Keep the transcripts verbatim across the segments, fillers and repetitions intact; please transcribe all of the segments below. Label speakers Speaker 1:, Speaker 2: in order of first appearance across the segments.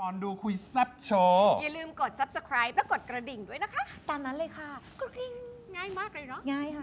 Speaker 1: อนดูคุยแซ่บโชว์
Speaker 2: อย่าลืมกด ซับสไครบ์ และกดกระดิ่งด้วยนะคะ
Speaker 3: ตามนั้นเลยค่ะ
Speaker 2: กระดิ่งง่ายมากเลยเนาะ
Speaker 3: ง่ายค่ะ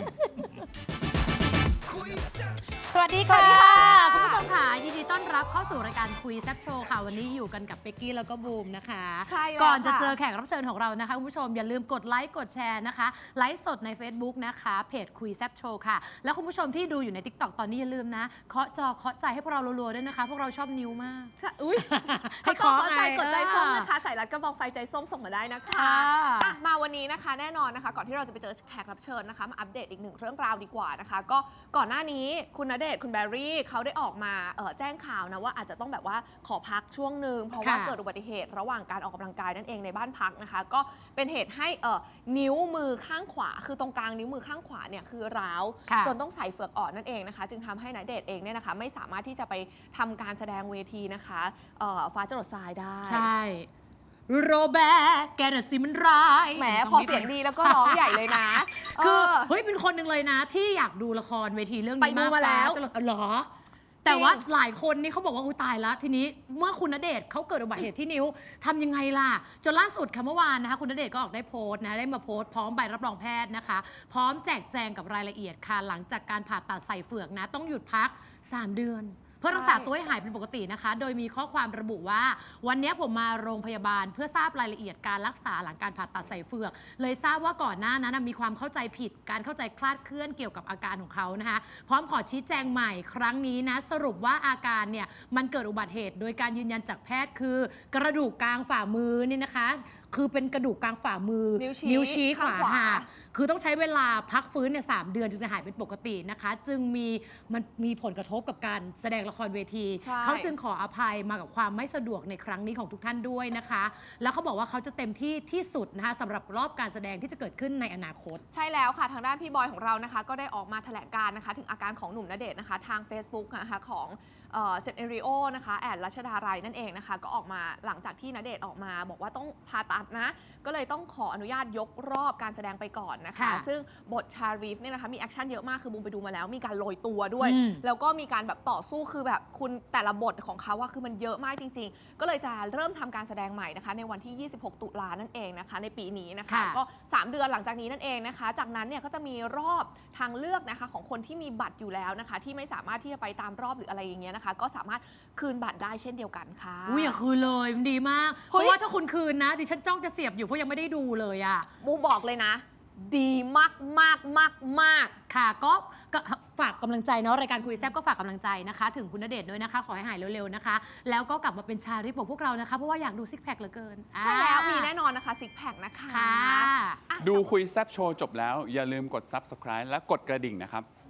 Speaker 4: สวัสดีค่ะคุณผู้ชมค่ะยินดีต้อนรับเข้าสู่รายการคุยแซ่บโชว์ค่ะวันนี้อยู่กันกับเป๊กกี้แล้วก็บูมนะคะ
Speaker 2: ใช่แล้ว
Speaker 4: ก่อนจะ
Speaker 2: ค่ะ
Speaker 4: เจอแขกรับเชิญของเรานะคะคุณผู้ชมอย่าลืมกดไลค์กดแชร์นะคะไลฟ์สดใน Facebook นะคะเพจคุยแซ่บโชว์ค่ะแล้วคุณผู้ชมที่ดูอยู่ใน ติ๊กต็อก ตอนนี้อย่าลืมนะเคาะจอเคาะใจให้พวกเรารัวๆด้วยนะคะ พวกเราชอบนิ้วมาก
Speaker 2: อุ้ย
Speaker 4: ให้
Speaker 2: เขา
Speaker 4: เคาะ
Speaker 2: ก็ใจ
Speaker 4: ไง
Speaker 2: กดใจส้มนะคะ
Speaker 4: เออ
Speaker 2: ใส่รัดกระบอกไฟใจส้มส่งมาได้นะคะ
Speaker 4: ค่ะ
Speaker 2: อ่ะมาวันนี้นะคะแน่นอนนะคะ ก่อนที่เราจะไปเจอแขกรับเชิญนะคะมาอัปเดตอีกหนึ่งเรื่องราวดีกว่านะคะ ก็ก่อนหน้านี้คุณณเดชน์คุณแบรี่เขาได้ออกมาเอ่อแจ้งข่าวนะว่าอาจจะต้องแบบว่าขอพักช่วงหนึ่งเพราะว่า
Speaker 4: ค่ะ
Speaker 2: เกิดอุบัติเหตุระหว่างการออกกำลังกายนั่นเองในบ้านพักนะคะ ก็เป็นเหตุให้เอ่อนิ้วมือข้างขวา คือตรงกลางนิ้วมือข้างขวาเนี่ยคือร้าว
Speaker 4: ค่ะ
Speaker 2: จนต้องใส่เฟือกอ่อนนั่นเองนะคะ จึงทำให้ณเดชน์เองเนี่ยนะคะไม่สามารถที่จะไปทำการแสดงเวทีนะคะเอ่อฟ้าจรดทรายได้
Speaker 4: ใช่โรแบร์แกน่ะสิมันร้าย
Speaker 2: แหมพอเสียงดีแล้วก็ร้องใหญ่เลยนะ
Speaker 4: คือ
Speaker 2: เออ
Speaker 4: เฮ้ยเป็นคนหนึ่งเลยนะ ที่อยากดูละครเวทีเรื่อง
Speaker 2: ไป
Speaker 4: นี้
Speaker 2: ดู
Speaker 4: มาก
Speaker 2: มาแล้ว
Speaker 4: ฟ้จะเหรอ แต่ว่าหลายคนนี่เขาบอกว่าอุ้ยตายแล้ว ทีนี้เมื่อคุณณเดชน์เขาเกิดอุบัติเหตุที่นิ้วทำยังไงล่ะ จนล่าสุดค่ะเมื่อวานนะคะคุณณเดชน์ก็ออกได้โพสต์นะได้มาโพสต์พร้อมใบรับรองแพทย์นะคะ พร้อมแจกแจงกับรายละเอียดค่ะหลังจากการผ่าตัดใส่เฟือกนะ ต้องหยุดพักสามเดือน เพื่อรักษาตัวให้หายเป็นปกตินะคะ โดยมีข้อความระบุว่า วันนี้ผมมาโรงพยาบาลเพื่อทราบรายละเอียดการรักษาหลังการผ่าตัดใส่เฟือก เลยทราบว่าก่อนหน้านั้นมีความเข้าใจผิด การเข้าใจคลาดเคลื่อนเกี่ยวกับอาการของเขานะคะ พร้อมขอชี้แจงใหม่ครั้งนี้นะสรุปว่าอาการเนี่ยมันเกิดอุบัติเหตุ โดยการยืนยันจากแพทย์คือกระดูกกลางฝ่ามือนี่นะคะ คือเป็นกระดูกกลางฝ่ามือ
Speaker 2: นิ้วชี้
Speaker 4: นิ้วชี้ข
Speaker 2: ข้าง
Speaker 4: วา
Speaker 2: ขวา
Speaker 4: หัก คือต้องใช้เวลาพักฟื้นเนี่ยสามเดือนจึงจะหายเป็นปกตินะคะ จึงมีมันมีผลกระทบกับการแสดงละครเวที
Speaker 2: ใช่
Speaker 4: เขาจึงขออภัยมากับความไม่สะดวกในครั้งนี้ของทุกท่านด้วยนะคะ แล้วเขาบอกว่าเขาจะเต็มที่ที่สุดนะคะสำหรับรอบการแสดงที่จะเกิดขึ้นในอนาคต
Speaker 2: ใช่แล้วค่ะทางด้านพี่บอยของเรานะคะ ก็ได้ออกมาแถลงการนะคะ ถึงอาการของหนุ่มณเดชน์นะคะ ทาง Facebook นะคะของเซนเอริโอนะคะแอดรัชดาลัยนั่นเองนะคะ ก็ออกมาหลังจากที่ณเดชน์ออกมาบอกว่าต้องผ่าตัดนะ ก็เลยต้องขออนุญาตยกรอบการแสดงไปก่อนนะคะ
Speaker 4: ค่ะ
Speaker 2: ซึ่งบทชารีฟเนี่ยนะคะมีแอคชั่นเยอะมากคือบูมไปดูมาแล้วมีการโรยตัวด้วย
Speaker 4: อืม
Speaker 2: แล้วก็มีการแบบต่อสู้คือแบบคุณแต่ละบทของเขาว่าคือมันเยอะมากจริง ๆ ก็เลยจะเริ่มทำการแสดงใหม่นะคะ ในวันที่ ยี่สิบหก ตุลานั่นเองนะคะ ในปีนี้นะคะ
Speaker 4: ค่ะ
Speaker 2: ก็ สามเดือนหลังจากนี้นั่นเองนะคะ จากนั้นเนี่ยก็จะมีรอบทางเลือกนะคะของคนที่มีบัตรอยู่แล้วนะคะ ที่ไม่สามารถที่จะไปตามรอบหรืออะไรอย่างเงี้ยนะคะ ก็สามารถคืนบัตรได้เช่นเดียวกันค่ะ
Speaker 4: อุ้ยอย่าคืนเลยมันดีมาก เพ
Speaker 2: เฮ้ย
Speaker 4: ราะว่าถ้าคุณคืนนะดิฉันจ้องจะเสียบอยู่เพราะยังไม่ได้ดูเลยอะ
Speaker 2: บูมบอกเลยนะ ดีมากมากมากมาก
Speaker 4: ค่ะก็ก็ฝากกำลังใจเนาะรายการคุยแซบก็ฝากกำลังใจนะคะ ถึงคุณณเดชน์ด้วยนะคะ ขอให้หายเร็วๆนะคะ แล้วก็กลับมาเป็นชาริปของพวกเรานะคะเพราะว่าอยากดูซิกแพคเหลือเกิน
Speaker 2: ใช่แล้ว
Speaker 4: อ่า
Speaker 2: มีแน่นอนนะคะซิกแพคนะคะ
Speaker 4: ค่ะ
Speaker 2: อ่ะ
Speaker 1: ดูคุยแซ่บโชว์จบแล้ว อย่าลืมกด ซับสไครบ์ และกดกระดิ่งนะครับ